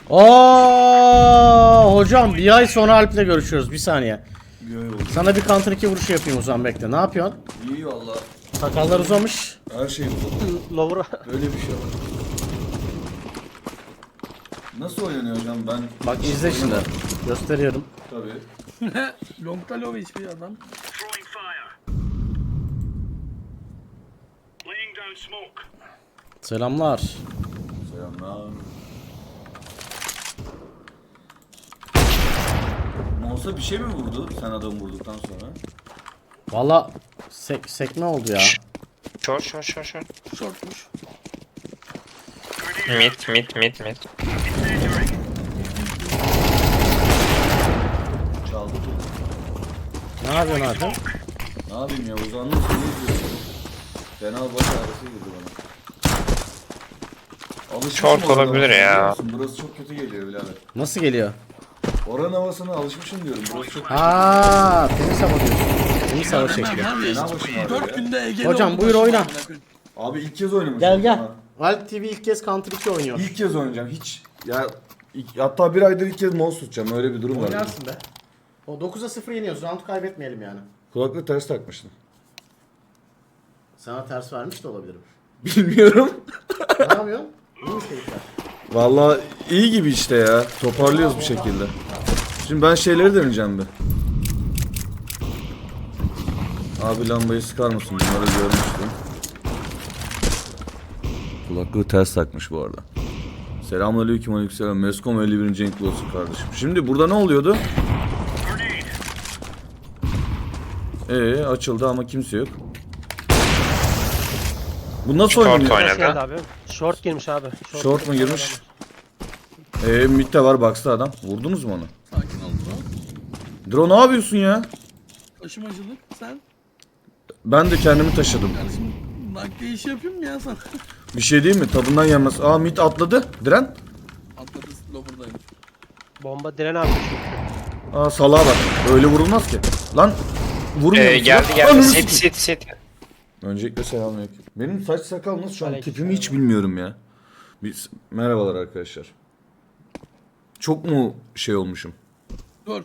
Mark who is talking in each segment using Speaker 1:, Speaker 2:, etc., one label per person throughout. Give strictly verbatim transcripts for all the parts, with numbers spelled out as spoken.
Speaker 1: Oo hocam bir ay sonra Alp'le görüşüyoruz. Bir saniye.
Speaker 2: Bir ay oldu.
Speaker 1: Sana bir counter iki vuruş yapayım o zaman, bekle. Ne yapıyorsun?
Speaker 2: İyi valla.
Speaker 1: Sakallar uzamış.
Speaker 2: Her şey bu.
Speaker 3: Lower.
Speaker 2: Böyle bir şey var. Nasıl oynanıyor hocam ben?
Speaker 1: Bak izle şimdi. Gösteriyorum.
Speaker 2: Tabii.
Speaker 4: Long'da low H P adam.
Speaker 5: Throwing fire. Laying down smoke.
Speaker 1: Selamlar.
Speaker 2: Selamlar. Mouse'a bir şey mi vurdu sen adamı vurduktan sonra?
Speaker 1: Valla sek sekme oldu ya.
Speaker 6: Short, short, short, short.
Speaker 4: Shortmuş.
Speaker 6: Mid, mid, mid, mid.
Speaker 2: Çaldı.
Speaker 1: Ne yapıyorsun abi?
Speaker 2: Ne yapayım ya, uzandım seni izliyorum. Fena baş ağrısı girdi bana. Alışmışım
Speaker 6: Short
Speaker 2: orada,
Speaker 6: olabilir
Speaker 2: biliyor
Speaker 6: ya.
Speaker 2: musun? Burası çok kötü geliyor birader.
Speaker 1: Nasıl geliyor?
Speaker 2: Oranın havasına alışmışım diyorum. Burası çok
Speaker 1: Aaa temiz hava diyorsun. Temiz hava şekli.
Speaker 4: Var ya,
Speaker 2: Fena başım ağrıyor
Speaker 4: dört
Speaker 2: ya.
Speaker 4: günde Ege'li
Speaker 1: Hocam,
Speaker 4: oldu
Speaker 1: buyur
Speaker 4: başım
Speaker 1: oyna.
Speaker 4: amına koyayım.
Speaker 2: Abi ilk kez oynamışım.
Speaker 1: Gel gel.
Speaker 2: Ha.
Speaker 1: Alp T V ilk kez counter iki oynuyor.
Speaker 2: İlk kez oynayacağım hiç. Ya ilk- hatta bir aydır ilk kez mouse tutacağım, öyle bir durum var.
Speaker 1: Oynarsın be. O dokuza sıfır yeniyoruz. Round kaybetmeyelim yani.
Speaker 2: Kulaklığı ters takmıştım.
Speaker 1: Sana ters vermiş de olabilirim.
Speaker 2: Bilmiyorum.
Speaker 1: Ne yapıyorsun? İyi mi keyifler?
Speaker 2: Vallahi iyi gibi işte ya. Toparlıyoruz bir şekilde. Şimdi ben şeyleri deneyeceğim bir. Abi lambayı sıkar mısın? Bunları görmüştüm. Kulaklığı ters takmış bu arada. Selamünaleyküm, aleykümselam. Mescom elli birinci renkli olsun kardeşim. Şimdi burada ne oluyordu? Ee açıldı ama kimse yok. Bu nasıl
Speaker 6: Short
Speaker 2: oynanıyor?
Speaker 6: oynadı.
Speaker 3: Nasıl geldi abi? Short girmiş abi.
Speaker 2: Short mu girmiş? Ee mid de var, box'ta adam. Vurdunuz mu onu?
Speaker 4: Sakin ol bro.
Speaker 2: Dro ne yapıyorsun ya?
Speaker 4: Taşımacılık sen.
Speaker 2: Ben de kendimi taşıdım.
Speaker 4: Kardeşim nakliye işi yapayım mı ya sana?
Speaker 2: Bir şey değil mi? Tadından yenmez. Aa mid atladı. Diren.
Speaker 4: Atladı lower'dayım.
Speaker 3: Bomba diren abi.
Speaker 2: Aa salağa bak. Öyle vurulmaz ki. Lan vurmuyor
Speaker 6: Ee,
Speaker 2: musun?
Speaker 6: geldi
Speaker 2: Lan?
Speaker 6: geldi.
Speaker 2: Ananı
Speaker 6: Sit,
Speaker 2: sikeyim.
Speaker 6: sit, sit.
Speaker 2: Öncelikle selamünaleyküm. Benim saç sakal nasıl şu an?
Speaker 3: Aleyküm
Speaker 2: Tipimi hiç bilmiyorum ya. Biz, merhabalar arkadaşlar. Çok mu şey olmuşum?
Speaker 4: Dur.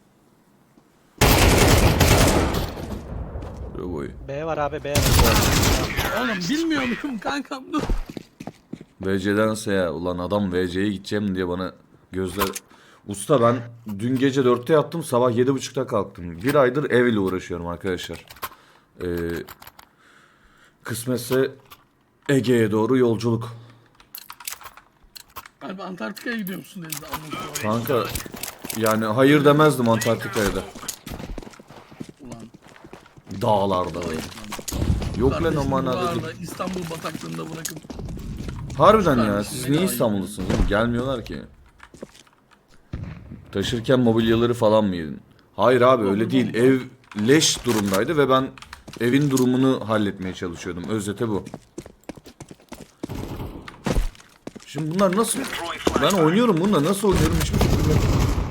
Speaker 2: Böyle boyu.
Speaker 3: B var abi B var.
Speaker 4: Oğlum bilmiyor muyum kankam dur.
Speaker 2: V C'dense ya. Ulan adam V C'ye gideceğim diye bana gözler... Usta ben dün gece dörtte yattım, sabah yedi buçukta kalktım. Bir aydır ev ile uğraşıyorum arkadaşlar. Ee, kısmetse Ege'ye doğru yolculuk.
Speaker 4: Abi Antarktika'ya gidiyor musun denizde anlatıyor.
Speaker 2: Kanka yani hayır demezdim Antarktika'ya da.
Speaker 4: Ulan.
Speaker 2: Dağlarda böyle. Yok lan o
Speaker 4: Kardeşim
Speaker 2: manada
Speaker 4: buralarda
Speaker 2: değil.
Speaker 4: İstanbul bataklığında bırakın.
Speaker 2: Harbiden ya,
Speaker 4: Kardeşim,
Speaker 2: siz
Speaker 4: beni
Speaker 2: niye
Speaker 4: ayrı-
Speaker 2: İstanbullusunuz oğlum? Gelmiyorlar ki. Taşırken mobilyaları falan mı yedin? Hayır abi öyle değil. Ev leş durumdaydı ve ben evin durumunu halletmeye çalışıyordum. Özete bu. Şimdi bunlar nasıl... Ben oynuyorum bununla, nasıl oynuyorum hiçbir fikrim yok.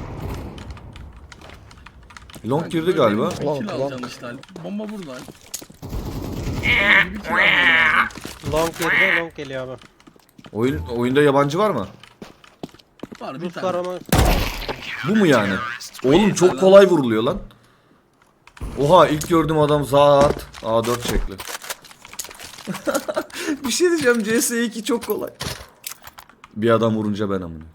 Speaker 2: Long girdi galiba.
Speaker 4: Long, kill alacaksın işte Alp. Bomba burada Alp. Bomba gibi kill alman lazım.
Speaker 3: Long girdi long geliyor abi.
Speaker 2: Oyun, oyunda yabancı var mı?
Speaker 4: Var bir
Speaker 3: Rus var
Speaker 4: tane.
Speaker 3: ama
Speaker 2: Bu mu yani? Oğlum çok kolay vuruluyor lan. Oha ilk gördüğüm adam zat A dört şekli. Bir şey diyeceğim, C S iki çok kolay. Bir adam vurunca ben amına.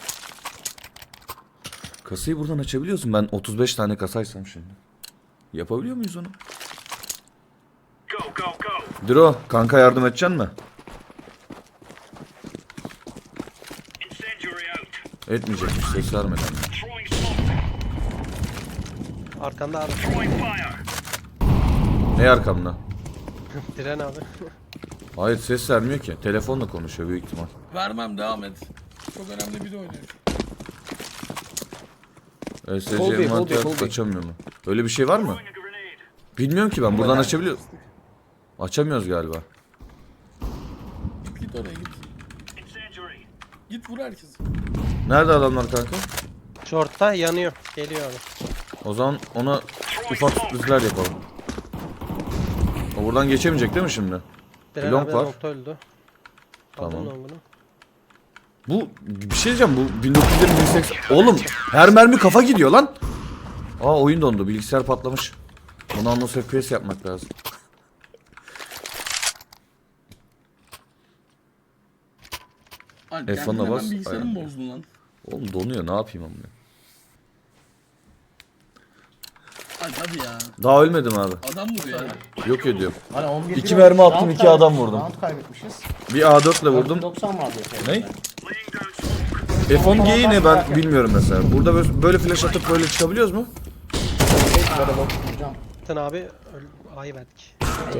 Speaker 2: Kasayı buradan açabiliyorsun. Ben otuz beş tane kasaysam şimdi. Yapabiliyor muyuz onu?
Speaker 5: Go, go, go.
Speaker 2: Dro kanka yardım edeceksin mi?
Speaker 5: Incendiary out.
Speaker 2: Etmeyecekmiş, ses vermeden.
Speaker 5: Throwing smoke.
Speaker 3: arkanda abi.
Speaker 5: Throwing fire.
Speaker 2: Ne arkamda?
Speaker 3: Diren abi.
Speaker 2: Hayır ses vermiyor ki. Telefonla konuşuyor büyük ihtimal.
Speaker 4: Vermem devam et. Çok önemli biri oynuyor.
Speaker 2: E S C
Speaker 1: Hold it, hold it,
Speaker 2: envanter
Speaker 1: hold it.
Speaker 2: açamıyor mu? Öyle bir şey var mı?
Speaker 5: Throwing a grenade.
Speaker 2: Bilmiyorum ki ben. Buradan açabiliyor. Açamıyoruz galiba.
Speaker 4: Git git oraya git.
Speaker 5: Incendiary.
Speaker 4: Git vur herkesi.
Speaker 2: Nerede adamlar kanka?
Speaker 3: Short'ta yanıyor. Geliyor abi.
Speaker 2: O zaman ona ufak sürprizler yapalım. O buradan geçemeyecek değil mi şimdi?
Speaker 3: Diren
Speaker 2: Long
Speaker 3: abi
Speaker 2: var.
Speaker 3: nokta öldü.
Speaker 2: Tamam.
Speaker 3: Aldım long'unu.
Speaker 2: Bu bir şey diyeceğim, bu bin dokuz yüz yirmi bin seksen. Oğlum her mermi kafa gidiyor lan. Aa oyun dondu, bilgisayar patlamış. Bunu nasıl F P S yapmak lazım.
Speaker 4: Alp
Speaker 2: F
Speaker 4: kendin
Speaker 2: ona
Speaker 4: hemen
Speaker 2: bas,
Speaker 4: bilgisayarımı
Speaker 2: aynen.
Speaker 4: bozdun lan.
Speaker 2: Oğlum donuyor, ne yapayım amına.
Speaker 4: Alp hadi ya.
Speaker 2: Daha ölmedim abi.
Speaker 4: Adam vur ya.
Speaker 2: Yok ediyorum.
Speaker 1: Hani on bir
Speaker 2: İki
Speaker 1: bir
Speaker 2: mermi
Speaker 1: olmuş,
Speaker 2: attım,
Speaker 1: round
Speaker 2: iki adam
Speaker 1: kaybetmişiz,
Speaker 2: vurdum.
Speaker 1: Round kaybetmişiz.
Speaker 2: Bir A dört ile vurdum.
Speaker 1: doksan vardı.
Speaker 2: Ne? F on G'yi ne ben bilmiyorum mesela. Burada böyle, böyle flash atıp böyle çıkabiliyoruz mu?
Speaker 1: Hocam.
Speaker 3: Sen abi öl- A'yı verdik.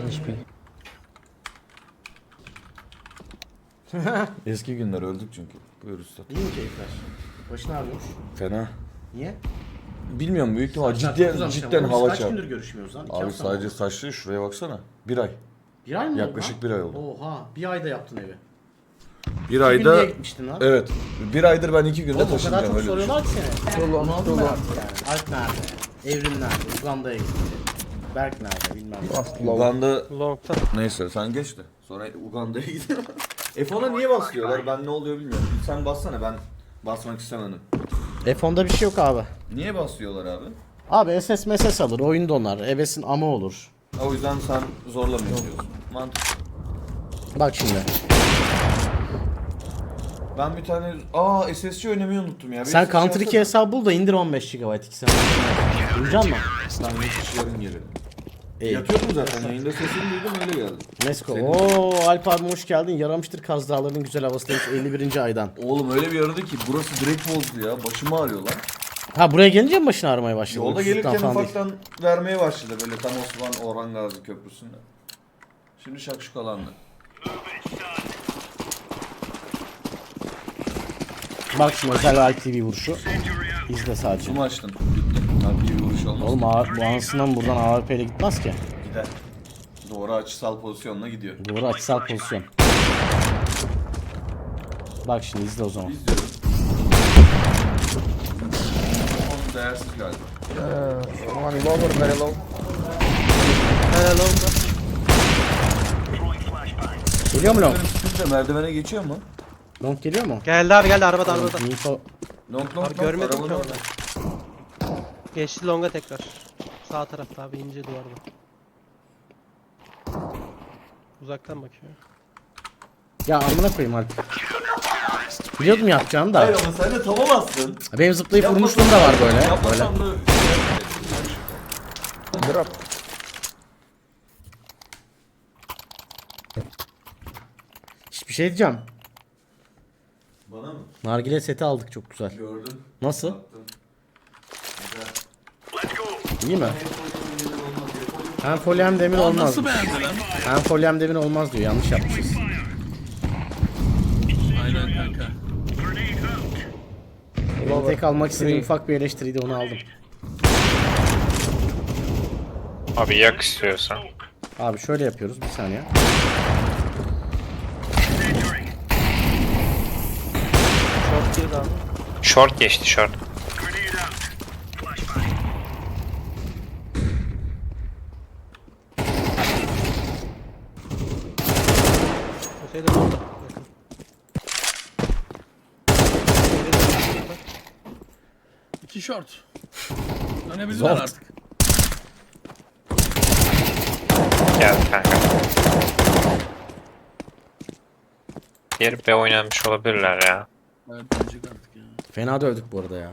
Speaker 2: Eski günler öldük çünkü. Buyur usta.
Speaker 1: İyi mi keyifler? Başın ağrıyormuş.
Speaker 2: Fena.
Speaker 1: Niye?
Speaker 2: Bilmiyorum, büyük ihtimal
Speaker 1: Saçlar çok
Speaker 2: cidden,
Speaker 1: uzamış
Speaker 2: cidden
Speaker 1: ama biz
Speaker 2: hava
Speaker 1: Kaç
Speaker 2: çarptı.
Speaker 1: gündür görüşmüyoruz lan? İki
Speaker 2: Abi
Speaker 1: hafta
Speaker 2: sadece
Speaker 1: mı?
Speaker 2: saçlı, şuraya baksana. Bir ay.
Speaker 1: Bir ay mı oldu
Speaker 2: Yaklaşık
Speaker 1: lan?
Speaker 2: bir ay oldu.
Speaker 1: Oha, bir ayda yaptın evi.
Speaker 2: Bir
Speaker 1: Bir
Speaker 2: ayda...
Speaker 1: ayda gitmiştin lan.
Speaker 2: Evet. Bir aydır ben iki günde
Speaker 1: Oğlum o kadar
Speaker 2: taşınacağım
Speaker 1: çok
Speaker 2: öyle düşün.
Speaker 1: soruyorlar ki seni. Onu aldım ben artık yani. Alp nerede? Evrim nerede? Uganda'ya gitti. Berk nerede? Bilmem ne.
Speaker 2: Uganda...
Speaker 3: Long'ta.
Speaker 2: Neyse sen geç de. Sonra Uganda'ya gidiyorum. F ona niye basıyorlar? Ben ne oluyor bilmiyorum. Sen bassana, ben basmak istemedim.
Speaker 1: F on'da bir şey yok abi.
Speaker 2: Niye basıyorlar abi?
Speaker 1: Abi S S M S alır, oyun donar, evesin ama olur.
Speaker 2: O yüzden sen zorlamıyorsun diyorsun. Mantıklı.
Speaker 1: Bak şimdi.
Speaker 2: Ben bir tane... Aa S S C oynamayı unuttum ya. Bir
Speaker 1: Sen
Speaker 2: S S C
Speaker 1: Counter iki
Speaker 2: alsana.
Speaker 1: hesabı bul da indir on beş gigabayt iki sene. Duyacak mısın?
Speaker 2: Ben geçiş yarın gelirim.
Speaker 1: İyi.
Speaker 2: Yatıyordum zaten, yayında sesini duydum öyle geldim.
Speaker 1: Mesko.
Speaker 2: Senin-
Speaker 1: Oo Alp abi hoş geldin. Yaramıştır Kaz Dağları'nın güzel havası demiş elli birinci aydan.
Speaker 2: Oğlum öyle bir aradı ki burası direkt bozdu ya. Başımı ağrıyor lan.
Speaker 1: Ha buraya gelince mi başın ağrımaya başladı?
Speaker 2: Yolda
Speaker 1: Uykusuzluktan
Speaker 2: gelirken
Speaker 1: falan değil.
Speaker 2: ufaktan vermeye başladı böyle tam Osman Orhan Gazi Köprüsü'nde. Şimdi şakşukalandı.
Speaker 1: Bak şimdi özel Alp T V vuruşu. İzle sadece.
Speaker 2: Kumu açtın. Bitti. Tabii bir vuruş olmaz.
Speaker 1: Oğlum ağır, bu anasından buradan A W P ile gitmez ki.
Speaker 2: Gider. Doğru açısal pozisyonla gidiyor.
Speaker 1: Doğru açısal pozisyon. Bak şimdi izle o zaman.
Speaker 2: İzliyorum. Onun değersiz galiba.
Speaker 3: Helal Long'ta.
Speaker 1: Geliyor mu long?
Speaker 2: Sıkınca merdivene geçiyor mu?
Speaker 1: Long geliyor mu?
Speaker 3: Geldi abi geldi arabada arabada.
Speaker 1: Info.
Speaker 2: Long long
Speaker 3: Abi
Speaker 2: long.
Speaker 3: görmedim ki
Speaker 2: arabanın
Speaker 3: orada. Geçti Long'a tekrar. Sağ tarafta abi ince duvarda. Uzaktan bakıyor.
Speaker 1: Ya amına koyayım Alp. Biliyordum yapacağını da.
Speaker 2: Hayır ama sen de tamamazsın.
Speaker 1: Benim zıplayıp vurmuşluğum da var böyle. Böyle.
Speaker 2: Yapmasam da...
Speaker 1: Hiçbir şey diyeceğim.
Speaker 2: Bana mı?
Speaker 1: Nargile seti aldık çok güzel.
Speaker 2: Gördüm.
Speaker 1: Nasıl?
Speaker 2: Baktım.
Speaker 1: İyi mi? Hem folyo hem demir
Speaker 4: Aa,
Speaker 1: olmaz.
Speaker 4: nasıl beğendi lan?
Speaker 1: Hem folyo hem demir olmaz diyor. Yanlış yapmışız.
Speaker 4: Aynen kanka.
Speaker 1: Benim tek almak istediğim ufak bir eleştiriydi, onu aldım.
Speaker 6: Abi yak istiyorsan.
Speaker 1: Abi şöyle yapıyoruz bir saniye.
Speaker 3: Short girdi abi.
Speaker 6: Short geçti short.
Speaker 3: Öteydi Long'da. Yakın.
Speaker 4: İki short. Dönebilirler
Speaker 1: Zor.
Speaker 4: artık.
Speaker 6: Geldi kanka. Diğer B oynanmış olabilirler ya.
Speaker 4: Evet dönecek artık ya.
Speaker 1: Fena dövdük bu arada ya.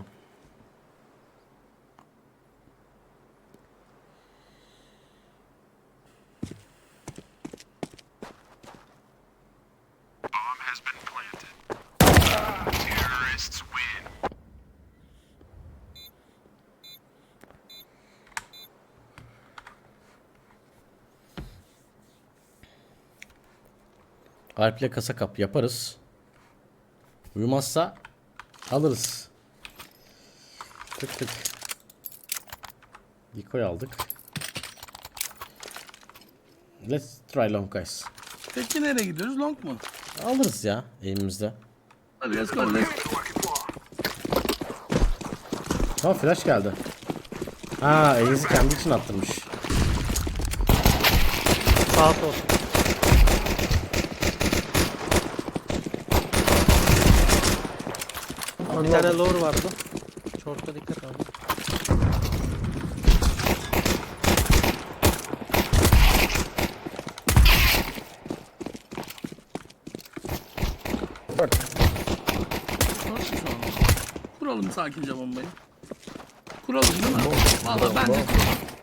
Speaker 1: Alp'le kasa kap yaparız. Uyumazsa alırız. Tık tık. Decoy aldık. Let's try long guys.
Speaker 4: Peki nereye gidiyoruz? Long mu?
Speaker 1: Alırız ya elimizde.
Speaker 4: Hadi let's go let's go.
Speaker 1: Tamam flash geldi. Ha elinizi kendi için attırmış.
Speaker 3: Sağ sol. Bir tane lower vardı. Short'a dikkat abi.
Speaker 4: Bak şu an. Kuralım sakince bombayı. Kuralım değil mi? Valla ben de kuralım.